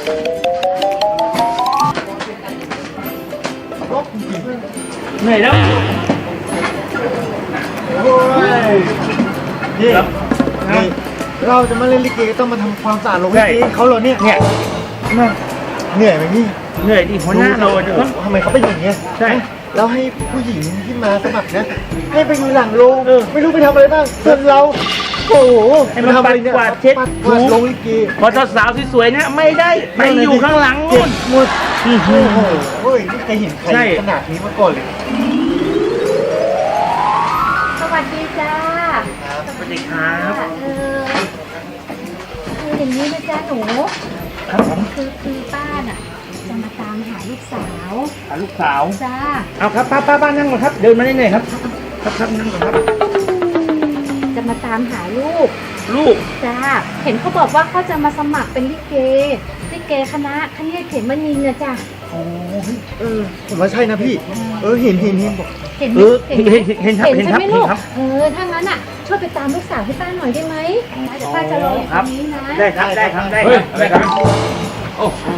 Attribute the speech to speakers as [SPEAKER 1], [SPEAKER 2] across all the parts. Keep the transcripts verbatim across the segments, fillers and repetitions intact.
[SPEAKER 1] เหนื่อยแล้ว
[SPEAKER 2] โอ้ยนี่นี่เราจะมาเล่นลิเกต้องมาทำความสะอาดโรงลิเกเขาเหรอเนี่ย
[SPEAKER 1] เนี่ย
[SPEAKER 2] เหนื่อยไหมนี่
[SPEAKER 1] เหนื่อยดิหัวหน้าเราจะต้อง
[SPEAKER 2] ทำไมเขาเป็นอย่างเงี้ย
[SPEAKER 1] ใช่
[SPEAKER 2] แล้วให้ผู้หญิงที่มาสมัครนะให้ไปอยู่หลังโรงไม่รู้ไปทำอะไรบ้างส่วนเราโอ้โห
[SPEAKER 1] ให้มันปัดกวาดเช็ด
[SPEAKER 2] กวาดโรงลิเก
[SPEAKER 1] พอสาวสวยๆเนี่ยไม่ได้ไปอยู่ข้างหลังนู่น
[SPEAKER 2] หมดโอ้โหเฮ้ยไม่เคยเห็นใครขนาดนี้มาก่อนเลย
[SPEAKER 3] สวัสดีจ้า
[SPEAKER 1] สวัสดีครับ
[SPEAKER 3] เออคืออย่างนี้นะจ้าหนู
[SPEAKER 1] ครับผม
[SPEAKER 3] คือคือป้าน่ะจะมาตามหาลูกสาว
[SPEAKER 1] หาลูกสาว
[SPEAKER 3] จ้า
[SPEAKER 1] เอาครับป้าป้าป้านั่งก่อนครับเดินมาได้เลยครับครับครับนั่งก่อนครับ
[SPEAKER 3] จะมาตามหาลูก
[SPEAKER 1] ลูก
[SPEAKER 3] จ้าเห็นเขาบอกว่าเขาจะมาสมัครเป็นลิเกลิเกคณะคณะเขมนินทร์นะจ้า
[SPEAKER 2] โอ้เออผมว่าใช่นะพี่เออเห็นเห็นเห็นบอก
[SPEAKER 3] เห็น
[SPEAKER 1] เออเห็นเห็นเห็นครับเห็นครับเห็นครับ
[SPEAKER 3] เออถ้างั้นอ่ะช่วยไปตามลูกสาวให้ป้าหน่อยได้ไหมเดี๋ยวป้าจะรออยู่ตรงนี้นะ
[SPEAKER 1] ได้ครับได้ครับได้ครับได้ครับ
[SPEAKER 4] โอ้โห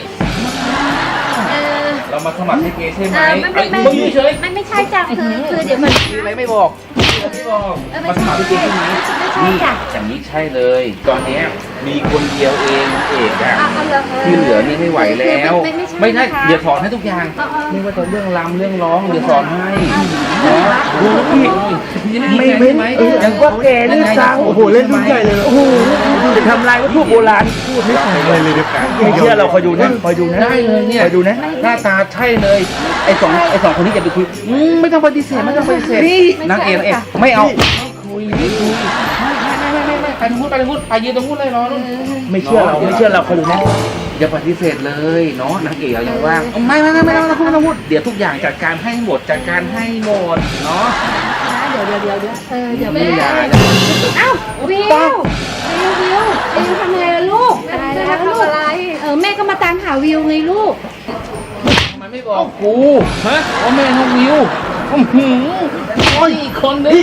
[SPEAKER 4] เรามาสมัครลิเกใช่ไหม
[SPEAKER 3] ไม่ไม่ไม่ไม่ไม่ใช่จ้ะคือคือเดี๋ยวมัน
[SPEAKER 4] อะไรไม่บอกไม่บอกมาสมัครลิเกใช่ไหมนี่อย่างนี้ใช่เลยตอนนี้มีคนเดียวเองเอกอะที่เหลือนี่ไม่ไหวแล้วไม่ใช่เดี๋ยวสอนให้ทุกอย่างไม่ว่าจะเรื่องรำเรื่องร้องเดี๋ยวสอนให้
[SPEAKER 1] ดูพี่ไม่ไม่ไม่ยังว่าแกเรื่องสร้าง
[SPEAKER 2] โอ้โหเล่นรุ่นใหญ่เลยโอ้โห
[SPEAKER 1] จะทำลายวัตถุโบราณพูดไม่ฟังเลยเลยไม่เชื่อเราคอยดูนะคอยดูนะ
[SPEAKER 4] ได้เลยเนี่ย
[SPEAKER 1] คอยดูนะ
[SPEAKER 4] หน้าตาใช่เลยไอ้สองไอ้สองคนนี้จะไปคุยไม่ต้องปฏิเสธไม่ต้องปฏิเสธนางเอกเอกไม่เอาคุยไม่คุยไม่ไม่ไม่ไม่ไปตรงนู้นไปตรงนู้นไปยืนตรงนู้นเลยน้อง
[SPEAKER 1] ไม่เชื่อเราไม่เชื่อเราคอยดูนะ
[SPEAKER 4] อย่าปฏิเสธเลยเนาะนางเอกเรายังว่างไม่ไม่ไม่ไม่ต้องพูดต้องพูดเดี๋ยวทุกอย่างจัดการให้หมดจัดการให้หมดเนาะ
[SPEAKER 3] เดี๋ยวเดี๋ยวเดี๋ยวเดี๋ยวเออเดี๋ยว
[SPEAKER 4] แม่
[SPEAKER 3] เอ้าวิววิววิววิวทำไงล่ะลูกตายแล้วลูกอะไรเออแม่ก็มาตามหาวิวไงลูก
[SPEAKER 4] ทำไมไม่บอกกูฮะว่าแม่น้องวิวหืมโอ้ยอีกคนนึง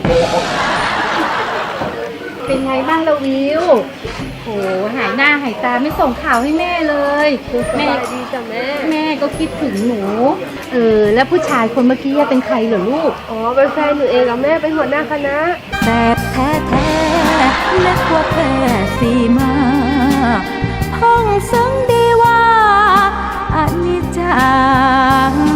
[SPEAKER 3] เป็นไงบ้างละวิวโหหายหน้าหายตาไม่ส่งข่าวให้แม่เลยแม่ดีจ้ะแม่แม่ก็คิดถึงหนูเออแล้วผู้ชายคนเมื่อกี้เป็นใครเหรอลูก
[SPEAKER 5] อ๋อเป็นแฟนหนูเองกับแม่เป็นหัวหน้าคณะ
[SPEAKER 6] แบบแท้แท้และกว่าแพ้สีมาห้องซึ่งดีว่าอนิจจา